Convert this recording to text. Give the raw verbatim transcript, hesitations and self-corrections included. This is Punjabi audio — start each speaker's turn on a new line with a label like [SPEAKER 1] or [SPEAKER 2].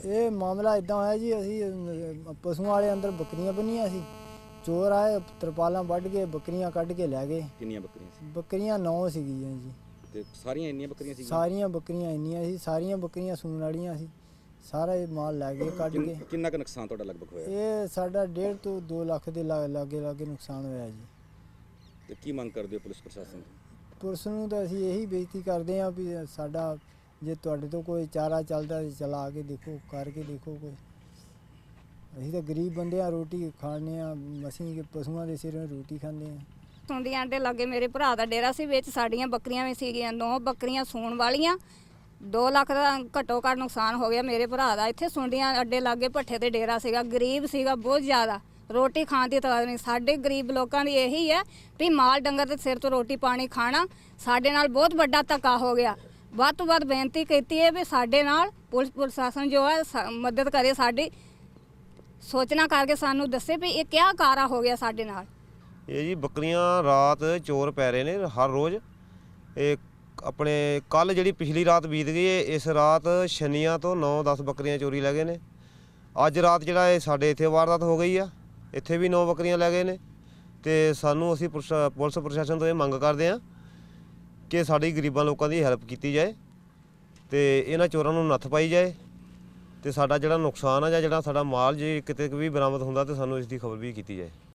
[SPEAKER 1] ਇਹ ਮਾਮਲਾ ਇਦਾਂ ਹੋਇਆ ਜੀ, ਅਸੀਂ ਪਸ਼ੂਆਂ ਵਾਲੇ ਅੰਦਰ ਬੱਕਰੀਆਂ ਬੰਨੀਆਂ ਸੀ। ਚੋਰ ਆਏ, ਤਰਪਾਲਾਂ ਵੱਢ ਕੇ ਬੱਕਰੀਆਂ ਕੱਢ ਕੇ ਲੈ ਗਏ।
[SPEAKER 2] ਕਿੰਨੀਆਂ ਬੱਕਰੀਆਂ ਸੀ?
[SPEAKER 1] ਬੱਕਰੀਆਂ ਨੌ ਸੀਗੀਆਂ ਜੀ।
[SPEAKER 2] ਤੇ ਸਾਰੀਆਂ ਇੰਨੀਆਂ ਬੱਕਰੀਆਂ ਸੀ?
[SPEAKER 1] ਸਾਰੀਆਂ ਬੱਕਰੀਆਂ ਇੰਨੀਆਂ ਸੀ, ਸਾਰੀਆਂ ਬੱਕਰੀਆਂ ਸੂਣ ਵਾਲੀਆਂ ਸੀ। ਸਾਰਾ ਇਹ ਮਾਲ ਲੈ ਗਏ ਕੱਢ ਕੇ।
[SPEAKER 2] ਕਿੰਨਾ ਕੁ ਨੁਕਸਾਨ ਤੁਹਾਡਾ ਲਗਭਗ ਹੋਇਆ?
[SPEAKER 1] ਇਹ ਸਾਡਾ ਡੇਢ ਤੋਂ ਦੋ ਲੱਖ ਦੇ ਲਾਗੇ ਲਾਗੇ ਨੁਕਸਾਨ ਹੋਇਆ ਜੀ।
[SPEAKER 2] ਤੇ ਕੀ ਮੰਗ ਕਰਦੇ ਹੋ ਪੁਲਿਸ ਪ੍ਰਸ਼ਾਸਨ ਤੋਂ?
[SPEAKER 1] ਪੁਲਿਸ ਨੂੰ ਤਾਂ ਅਸੀਂ ਇਹੀ ਬੇਨਤੀ ਕਰਦੇ ਹਾਂ ਵੀ ਸਾਡਾ ਜੇ ਤੁਹਾਡੇ ਤੋਂ ਕੋਈ ਚਾਰਾ ਚੱਲਦਾ ਤਾਂ ਚਲਾ ਕੇ ਦੇਖੋ, ਕਰਕੇ ਦੇਖੋ ਕੋਈ। ਅਸੀਂ ਤਾਂ ਗਰੀਬ ਬੰਦੇ ਆ, ਰੋਟੀ ਖਾਣੇ ਆ, ਅਸੀਂ ਪਸ਼ੂਆਂ ਦੇ ਸਿਰੋਂ ਰੋਟੀ ਖਾਂਦੇ ਆ।
[SPEAKER 3] ਸੁੰਡੀਆਂ ਅੱਡੇ ਲਾਗੇ ਮੇਰੇ ਭਰਾ ਦਾ ਡੇਰਾ ਸੀ, ਵਿੱਚ ਸਾਡੀਆਂ ਬੱਕਰੀਆਂ ਵੀ ਸੀਗੀਆਂ, ਨੌ ਬੱਕਰੀਆਂ ਸੂਣ ਵਾਲੀਆਂ। ਦੋ ਲੱਖ ਦਾ ਘੱਟੋ ਘੱਟ ਨੁਕਸਾਨ ਹੋ ਗਿਆ ਮੇਰੇ ਭਰਾ ਦਾ। ਇੱਥੇ ਸੁੰਡੀਆਂ ਅੱਡੇ ਲਾਗੇ ਭੱਠੇ ਤੇ ਡੇਰਾ ਸੀਗਾ, ਗਰੀਬ ਸੀਗਾ ਬਹੁਤ ਜ਼ਿਆਦਾ, ਰੋਟੀ ਖਾਣ ਦੀ ਤਾਂ ਨਹੀਂ। ਸਾਡੇ ਗਰੀਬ ਲੋਕਾਂ ਦੀ ਇਹੀ ਹੈ ਵੀ ਮਾਲ ਡੰਗਰ ਦੇ ਸਿਰ ਤੋਂ ਰੋਟੀ ਪਾਣੀ ਖਾਣਾ। ਸਾਡੇ ਨਾਲ ਬਹੁਤ ਵੱਡਾ ਧੱਕਾ ਹੋ ਗਿਆ। ਵੱਧ ਤੋਂ ਵੱਧ ਬੇਨਤੀ ਕੀਤੀ ਹੈ ਵੀ ਸਾਡੇ ਨਾਲ ਪੁਲਿਸ ਪ੍ਰਸ਼ਾਸਨ ਜੋ ਹੈ ਮਦਦ ਕਰੇ, ਸਾਡੀ ਸੋਚਣਾ ਕਰਕੇ ਸਾਨੂੰ ਦੱਸੇ ਵੀ ਇਹ ਕਿਆ ਕਾਰਾ ਹੋ ਗਿਆ ਸਾਡੇ ਨਾਲ।
[SPEAKER 4] ਇਹ ਜੀ ਬੱਕਰੀਆਂ ਰਾਤ ਚੋਰ ਪੈ ਰਹੇ ਨੇ ਹਰ ਰੋਜ਼। ਇਹ ਆਪਣੇ ਕੱਲ ਜਿਹੜੀ ਪਿਛਲੀ ਰਾਤ ਬੀਤ ਗਈ ਹੈ, ਇਸ ਰਾਤ ਸ਼ਨੀਆਂ ਤੋਂ ਨੌ ਦਸ ਬੱਕਰੀਆਂ ਚੋਰੀ ਲੈ ਗਏ ਨੇ। ਅੱਜ ਰਾਤ ਜਿਹੜਾ ਇਹ ਸਾਡੇ ਇੱਥੇ ਵਾਰਦਾਤ ਹੋ ਗਈ ਆ, ਇੱਥੇ ਵੀ ਨੌ ਬੱਕਰੀਆਂ ਲੈ ਗਏ ਨੇ। ਤੇ ਸਾਨੂੰ ਅਸੀਂ ਪੁਲਿਸ ਪ੍ਰਸ਼ਾਸਨ ਤੋਂ ਇਹ ਮੰਗ ਕਰਦੇ ਹਾਂ ਕਿ ਸਾਡੀ ਗਰੀਬਾਂ ਲੋਕਾਂ ਦੀ ਹੈਲਪ ਕੀਤੀ ਜਾਏ ਤੇ ਇਹਨਾਂ ਚੋਰਾਂ ਨੂੰ ਨੱਥ ਪਾਈ ਜਾਏ। ਤੇ ਸਾਡਾ ਜਿਹੜਾ ਨੁਕਸਾਨ ਆ ਜਾਂ ਜਿਹੜਾ ਸਾਡਾ ਮਾਲ ਜੇ ਕਿਤੇ ਵੀ ਬਰਾਮਦ ਹੁੰਦਾ ਤੇ ਸਾਨੂੰ ਇਸ ਦੀ ਖਬਰ ਵੀ ਕੀਤੀ ਜਾਏ।